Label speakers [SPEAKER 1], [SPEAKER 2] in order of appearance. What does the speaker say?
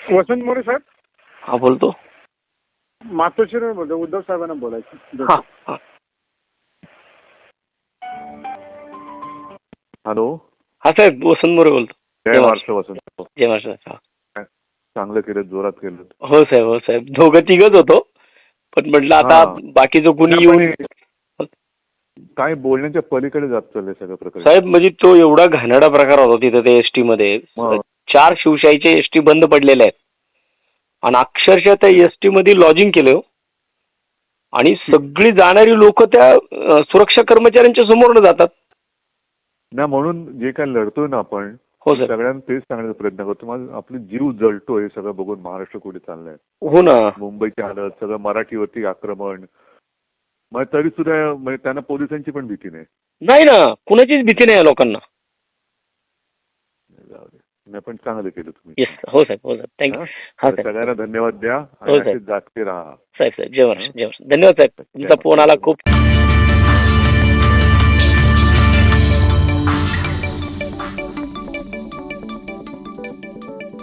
[SPEAKER 1] वसंत मोरे साहेब.
[SPEAKER 2] हा बोलतो.
[SPEAKER 1] मातोश्रीवर बोलतो. उद्धव साहेबांना बोलायचं.
[SPEAKER 2] हा हा.
[SPEAKER 3] हॅलो.
[SPEAKER 2] हा साहेब वसंत मोरे बोलतो.
[SPEAKER 3] जय महाराष्ट्र वसंत.
[SPEAKER 2] जय महाराष्ट्र.
[SPEAKER 3] चांगलं केलं, जोरात केलं.
[SPEAKER 2] हो साहेब, हो साहेब, दोघं तिघच होतो, पण म्हटलं आता बाकीचं कुणी येऊन
[SPEAKER 3] काय बोलण्याच्या पलीकडे जात चाललंय सगळं प्रकार.
[SPEAKER 2] साहेब म्हणजे तो एवढा घाणेरडा प्रकार होता तिथे ते एसटी मध्ये. 4 शिवशाहीचे एसटी बंद पडलेले आहेत आणि अक्षरशः त्या एसटी मध्ये लॉजिंग केलं आणि सगळी जाणारी लोक त्या सुरक्षा कर्मचाऱ्यांच्या समोर जातात
[SPEAKER 3] ना. म्हणून जे काय लढतोय ना आपण,
[SPEAKER 2] हो सर,
[SPEAKER 3] सगळ्यांना तेच सांगण्याचा प्रयत्न करतो. माझं आपली जीव जळतो हे सगळं बघून. महाराष्ट्र कुठे चाललंय.
[SPEAKER 2] हो ना.
[SPEAKER 3] मुंबईची हालत, सगळं मराठीवरती आक्रमण. मग तरी सुद्धा म्हणजे त्यांना पोलिसांची पण भीती नाही.
[SPEAKER 2] नाही ना, कुणाचीच भीती नाही लोकांना.
[SPEAKER 3] नाही पण चांगलं केलं तुम्ही.
[SPEAKER 2] येस. हो साहेब, हो साहेब, थँक्यू. हा साहेब,
[SPEAKER 3] सगळ्यांना धन्यवाद द्या
[SPEAKER 2] हो
[SPEAKER 3] आणि
[SPEAKER 2] साहेब.
[SPEAKER 3] जागते राहा.
[SPEAKER 2] साहेब साहेब, जय महाराष्ट्र, जय महाराष्ट्र. धन्यवाद साहेब, तुमचा फोन आला खूप.